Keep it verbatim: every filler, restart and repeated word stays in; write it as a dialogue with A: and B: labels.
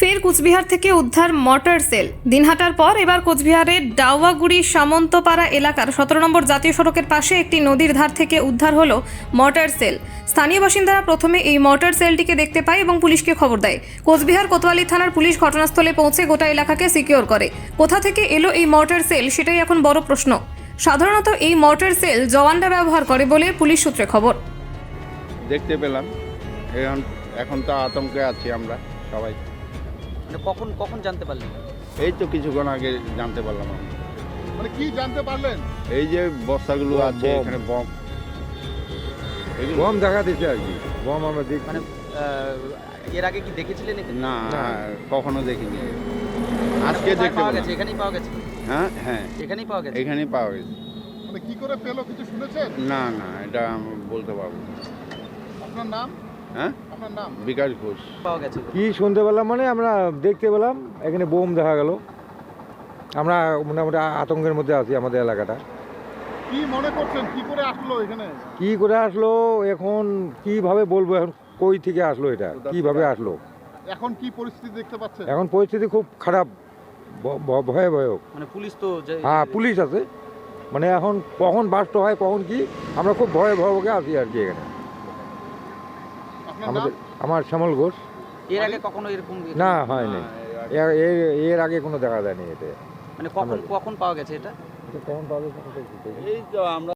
A: ফের কোচবিহার থেকে উদ্ধার মর্টার সেল। দিনহাটার পর এবার কোচবিহারের ডাওয়াগুড়ি সামন্তপাড়া এলাকার সতেরো নম্বর জাতীয় সড়কের পাশে একটি নদীর ধার থেকে উদ্ধার হলো মর্টার সেল। স্থানীয় বাসিন্দারা প্রথমে এই মর্টার সেলটিকে দেখতে পায় এবং পুলিশকে খবর দেয়। কোচবিহার কোতোয়ালি থানার পুলিশ ঘটনাস্থলে পৌঁছে গোটা এলাকাকে সিকিউর করে। কোথা থেকে এলো এই মর্টার সেল সেটাই এখন বড় প্রশ্ন। সাধারণত এই মর্টার সেল জওয়ানরা ব্যবহার করে বলে পুলিশ সূত্রে খবর।
B: দেখতে পেলাম, এখন এখন তো আতঙ্কে আছি আমরা সবাই।
C: মানে কখন কখন জানতে পারলেন?
B: এই তো কিছুক্ষণ আগে জানতে পারলাম আমরা।
D: মানে কি জানতে পারলেন?
B: এই যে বস্তাগুলো
E: বম,
B: আছে
E: বম।
B: এখানে বম এগুলো-
E: বম দেখা দিচ্ছে আর কি, বম আমরা দেখি।
C: মানে আহ, এর আগে কি দেখেছিলেন এখানে?
B: না
E: না।
B: কখনো দেখিনি, আজকে
C: কোথায়
B: দেখতে
C: পাওয়া
B: পেলাম।
C: গেছে? এখানেই পাওয়া গেছে?
B: হ্যাঁ হ্যাঁ
C: এখানেই পাওয়া গেছে?
B: এখানেই পাওয়া গেছে।
D: মানে কি করে পেলো কিছু শুনেছেন?
B: না না এটা আমি বলতে পারবো না।
D: আপনার নাম?
B: হ্যাঁ
D: আপনার নাম?
B: বিকাশ ঘোষ।
C: পাওয়া গেছে?
E: কি শুনতে পেলাম মানে আমরা দেখতে পেলাম এখানে বোম দেখা গেল। আমরা মোটামুটি আতঙ্কের মধ্যে আছি আমাদের এলাকাটা।
D: কি মনে করছেন কি করে আসলো এখানে?
E: কি করে আসলো এখন কিভাবে বলবো, এখন কই থেকে আসলো, এটা কিভাবে আসলো।
D: এখন কি পরিস্থিতি দেখতে পাচ্ছেন?
E: এখন পরিস্থিতি খুব খারাপ, ভ- ভ- ভয়াবহ।
C: মানে পুলিশ তো যে-
E: হ্যাঁ পুলিশ আছে, মানে এখন কখন বাস্ট হয় কখন কি, আমরা খুব ভয়ে ভয়ে আছি আর কি এখানে।
D: আপনার নাম?
E: আমাদের আমার শ্যামল ঘোষ।
C: এর আগে কখনো এরকম?
E: না হয়নি, এর- এর- এর আগে কোনো দেখা যায়নি এটা।
C: মানে কখন কখন পাওয়া গেছে এটা?
E: এটা কখন পাওয়া গেছে?
B: এই তো আমরা